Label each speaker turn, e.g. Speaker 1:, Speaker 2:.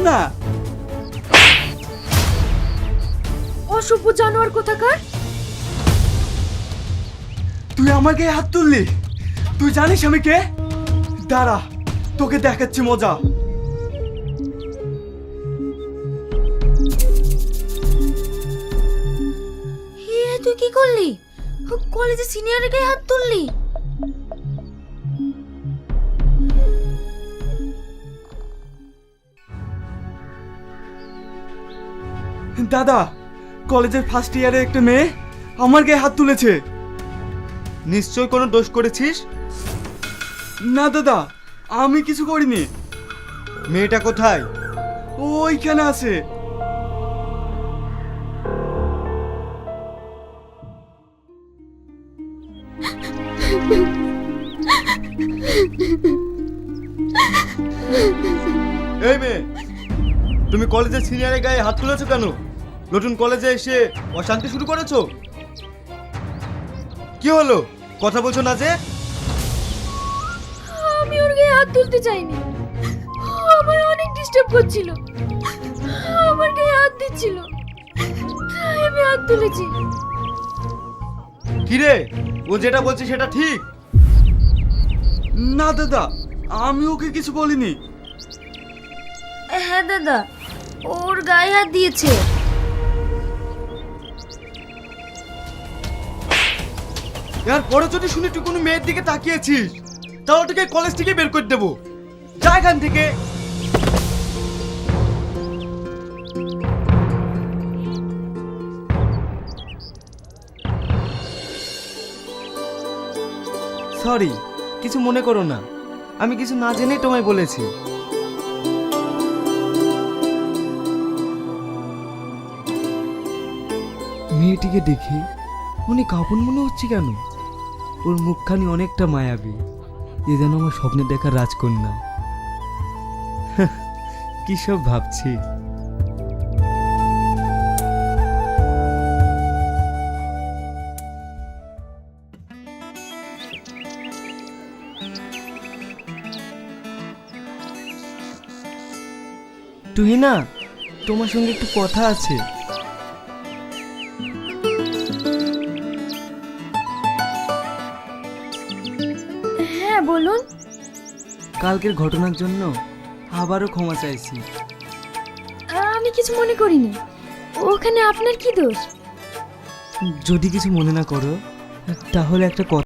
Speaker 1: না।
Speaker 2: অসভ্য জানোয়ার কোথাকার।
Speaker 1: তুই আমার গায়ে হাত তুললি? তুই জানিস আমি কে? দাঁড়া, তোকে দেখাচ্ছি মজা।
Speaker 2: তুই কি করলি? কলেজে সিনিয়রের গায়ে হাত তুললি?
Speaker 1: দাদা, কলেজের ফার্স্ট ইয়ারে একটা মেয়ে আমার গায়ে হাত তুলেছে।
Speaker 3: নিশ্চয় কোনো দোষ করেছিস?
Speaker 1: না দাদা, আমি কিছু করিনি।
Speaker 3: মেয়েটা কোথায়?
Speaker 1: ওইখানে আছে।
Speaker 3: এই মেয়ে, তুমি কলেজের সিনিয়রের গায়ে হাত তুলেছো কেন? নতুন কলেজে এসে অশান্তি শুরু করেছো? কি হলো, কথা বলছো না যে?
Speaker 2: আমি ওর গায়ে হাত তুলতে চাইনি। আমার অনেক ডিস্টার্ব করছিল, আমার গায়ে হাত দিচ্ছিল, তাই আমি হাত তুলেছি।
Speaker 3: কিরে, ও যেটা বলছে সেটা ঠিক?
Speaker 1: না দাদা, আমি ওকে কিছু বলিনি।
Speaker 2: হ্যাঁ দাদা, ওর গায়ে হাত দিয়েছে।
Speaker 3: এর পরে যদি শুনি তুই কোনো মেয়ের দিকে তাকিয়েছিস, তাহলে তোকে কলেজ থেকে বের করে দেবো। যা এখান থেকে। সরি, কিছু মনে করো না, আমি কিছু না জেনেই তোমায় বলেছি। মেয়েটিকে দেখে অনেক আপন মনে হচ্ছে কেন? ওর মুখখানি অনেকটা মায়াবী, এ যেন আমার স্বপ্নে দেখা রাজকন্যা। কি সব ভাবছি। তুহিনা, তোমার সঙ্গে একটু কথা আছে।
Speaker 2: হ্যাঁ বলুন।
Speaker 3: কালকের ঘটনার জন্য আবারও ক্ষমা চাইছি।
Speaker 2: আমি কিছু মনে করিনি, ওখানে আপনার কি দোষ?
Speaker 3: যদি কিছু মনে না করো, তাহলে একটা কথা